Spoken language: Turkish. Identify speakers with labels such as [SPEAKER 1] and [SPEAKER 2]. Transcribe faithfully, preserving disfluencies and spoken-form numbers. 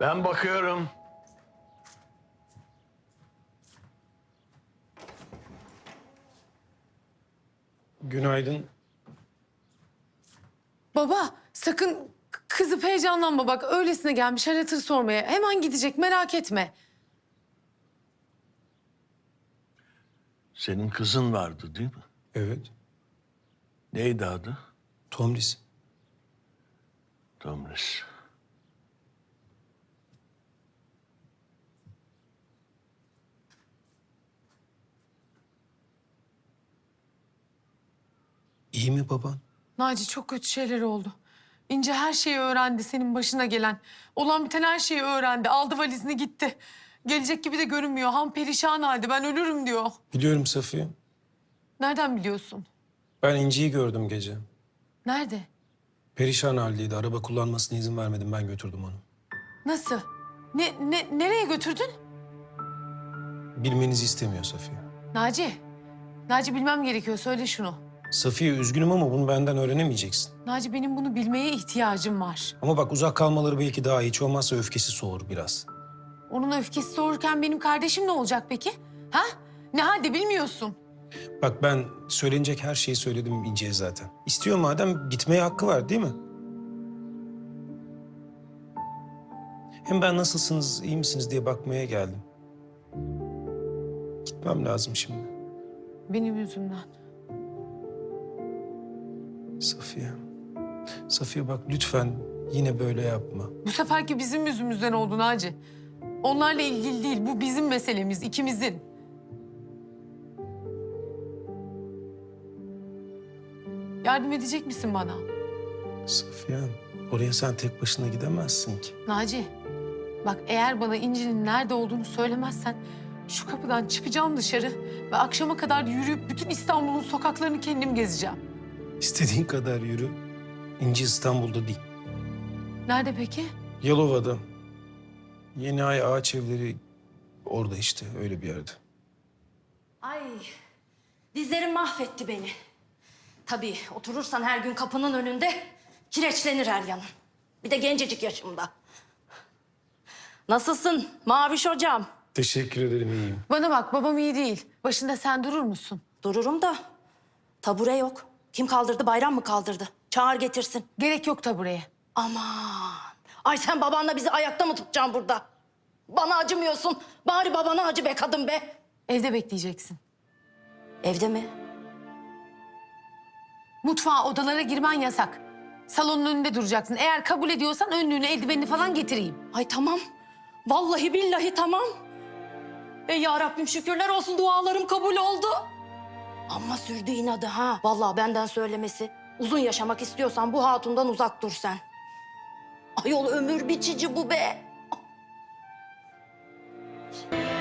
[SPEAKER 1] Ben bakıyorum.
[SPEAKER 2] Günaydın.
[SPEAKER 3] Baba sakın k- kızıp heyecanlanma bak. Öylesine gelmiş hal hatır sormaya. Hemen gidecek merak etme.
[SPEAKER 1] Senin kızın vardı değil mi?
[SPEAKER 2] Evet.
[SPEAKER 1] Neydi adı?
[SPEAKER 2] Tomris.
[SPEAKER 1] Tomris.
[SPEAKER 2] İyi mi baban?
[SPEAKER 3] Naci çok kötü şeyler oldu. İnce her şeyi öğrendi senin başına gelen. Olan biten her şeyi öğrendi. Aldı valizini gitti. Gelecek gibi de görünmüyor. Ham perişan halde. Ben ölürüm diyor.
[SPEAKER 2] Biliyorum Safiye.
[SPEAKER 3] Nereden biliyorsun?
[SPEAKER 2] Ben İnci'yi gördüm gece.
[SPEAKER 3] Nerede?
[SPEAKER 2] Perişan haldeydi. Araba kullanmasına izin vermedim. Ben götürdüm onu.
[SPEAKER 3] Nasıl? Ne, ne, nereye götürdün?
[SPEAKER 2] Bilmenizi istemiyor Safiye.
[SPEAKER 3] Naci. Naci bilmem gerekiyor. Söyle şunu.
[SPEAKER 2] Safiye üzgünüm ama bunu benden öğrenemeyeceksin.
[SPEAKER 3] Naci benim bunu bilmeye ihtiyacım var.
[SPEAKER 2] Ama bak uzak kalmaları belki daha iyi. Hiç olmazsa öfkesi soğur biraz.
[SPEAKER 3] Onun öfkesi soğurken benim kardeşim ne olacak peki? Ha? Ne halde bilmiyorsun.
[SPEAKER 2] Bak ben söylenecek her şeyi söyledim İnci'ye zaten. İstiyor madem gitmeye hakkı var değil mi? Hem ben nasılsınız, iyi misiniz diye bakmaya geldim. Gitmem lazım şimdi.
[SPEAKER 3] Benim yüzümden.
[SPEAKER 2] Safiye. Safiye bak lütfen yine böyle yapma.
[SPEAKER 3] Bu seferki bizim yüzümüzden oldu Naci. Onlarla ilgili değil. Bu bizim meselemiz, ikimizin. Yardım edecek misin bana?
[SPEAKER 2] Safiye, oraya sen tek başına gidemezsin ki.
[SPEAKER 3] Naci, bak eğer bana İnci'nin nerede olduğunu söylemezsen... ...şu kapıdan çıkacağım dışarı ve akşama kadar yürüyüp bütün İstanbul'un sokaklarını kendim gezeceğim.
[SPEAKER 2] İstediğin kadar yürü. İnci İstanbul'da değil.
[SPEAKER 3] Nerede peki?
[SPEAKER 2] Yalova'da. Yeni Ay Ağaç Evleri orada işte öyle bir yerde.
[SPEAKER 4] Ay, dizlerim mahvetti beni. Tabii oturursan her gün kapının önünde kireçlenir her yanın. Bir de gencecik yaşımda. Nasılsın Maviş hocam?
[SPEAKER 2] Teşekkür ederim iyiyim.
[SPEAKER 3] Bana bak, babam iyi değil. Başında sen durur musun?
[SPEAKER 4] Dururum da tabure yok. Kim kaldırdı, Bayram mı kaldırdı? Çağır getirsin.
[SPEAKER 3] Gerek yok tabureye.
[SPEAKER 4] Aman. Ay sen babanla bizi ayakta mı tutacaksın burada? Bana acımıyorsun. Bari babana acı be kadın be.
[SPEAKER 3] Evde bekleyeceksin.
[SPEAKER 4] Evde mi?
[SPEAKER 3] Mutfağa, odalara girmen yasak. Salonun önünde duracaksın. Eğer kabul ediyorsan önlüğünü, eldivenini falan getireyim.
[SPEAKER 4] Ay tamam. Vallahi billahi tamam. Ey ya Rabbim şükürler olsun dualarım kabul oldu. Ama sürdü inadı ha. Vallahi benden söylemesi. Uzun yaşamak istiyorsan bu hatundan uzak dur sen. Ayol ömür biçici bu be.